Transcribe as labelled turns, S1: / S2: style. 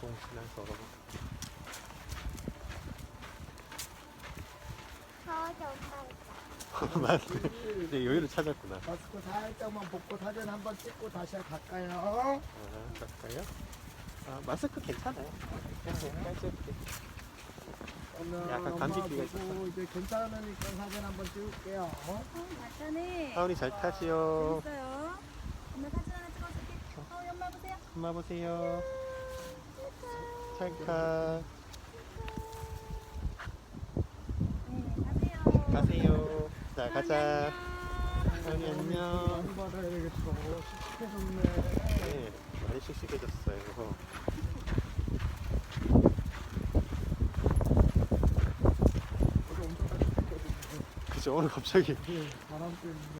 S1: 지나서.
S2: 더워서 오빠
S1: 맞네. 이제 여유를 찾았구나.
S3: 마스크 살짝만 벗고 사진 한번 찍고 다시 갈까요?
S1: 아, 갈까요? 아, 마스크 괜찮아요. 깔끔해. 약간 감기기가 있어서.
S3: 이제 괜찮으니까 사진 한번 찍을게요.
S2: 맞다네.
S1: 하은이 잘 타시오.
S2: 재밌어요. 엄마 사진 하나 찍어줄게. 하은이 엄마 보세요.
S1: 엄마 보세요. 찰칵.
S2: 네, 가세요.
S1: 가세요. 자, 가자. 하은이 안녕.
S3: 많이 받아야겠어. 씩씩해졌네.
S1: 네, 많이 씩씩해졌어요.
S3: 어제 엄청 따뜻했거든요.
S1: 그죠? 오늘 갑자기
S3: 바람 때문에.